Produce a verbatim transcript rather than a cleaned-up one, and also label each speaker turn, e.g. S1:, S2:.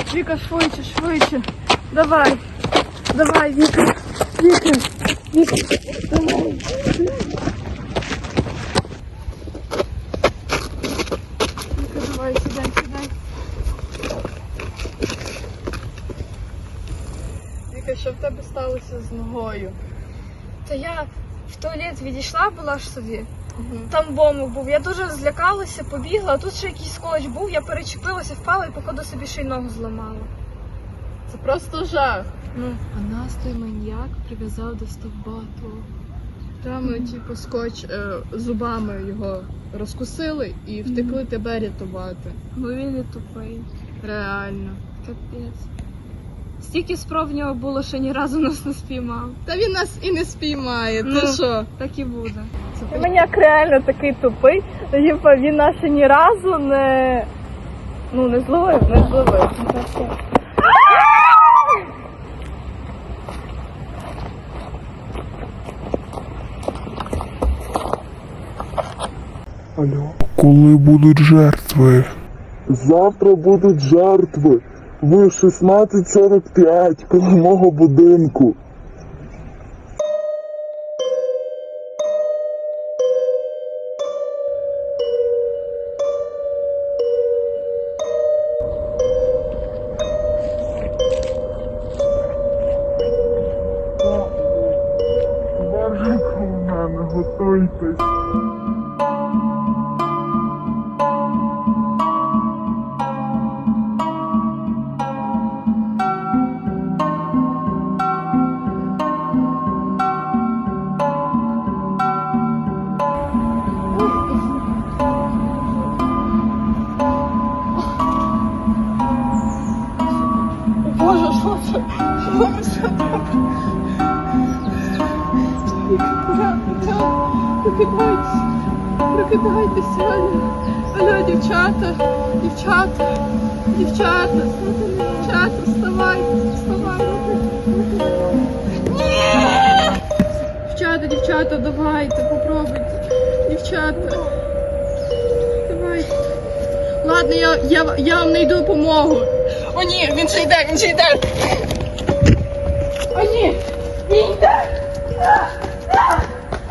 S1: Віка, швидше, швидше. Давай. Давай, Віка. Віка. Віка. Давай. Віка, давай, сідай, сідай. Віка, що в тебе сталося з ногою?
S2: Та я в туалет відійшла була ж собі.
S1: Угу.
S2: Там бомб був. Я дуже злякалася, побігла, а тут ще якийсь скотч був, я перечепилася, впала і походу собі ще й ногу зламала.
S1: Це просто жах.
S2: Ну,
S3: А нас той маньяк прив'язав до стовба того.
S1: Там ми, типу, скотч е, зубами його розкусили і втекли тебе рятувати.
S2: бо він і тупий.
S1: Реально.
S2: Капець. Стільки спроб в нього було, що ні разу нас не спіймав.
S1: Та він нас і не спіймає, ти
S2: Ну.
S1: що?
S2: Так і буде.
S1: Маньяк реально такий тупий, типу, він нас ще ні разу не, ну, не зловив, не зловив.
S4: Алло.
S5: Коли будуть жертви?
S4: Завтра будуть жертви. Ви шістнадцять сорок п'ять коло мого будинку. Боженько у мене, готуйтесь.
S1: Боже, що це? Що це? Прокидайтесь, прокидайтесь, Аля. Алло, дівчата, дівчата, дівчата, дівчата, вставайте, вставайте. Ні! Дівчата, дівчата, давайте, попробуйте. Дівчата, давайте. Ладно, я, я, я вам знайду допомогу. О ні, він ще йде, він ще йде. О ні, він йде.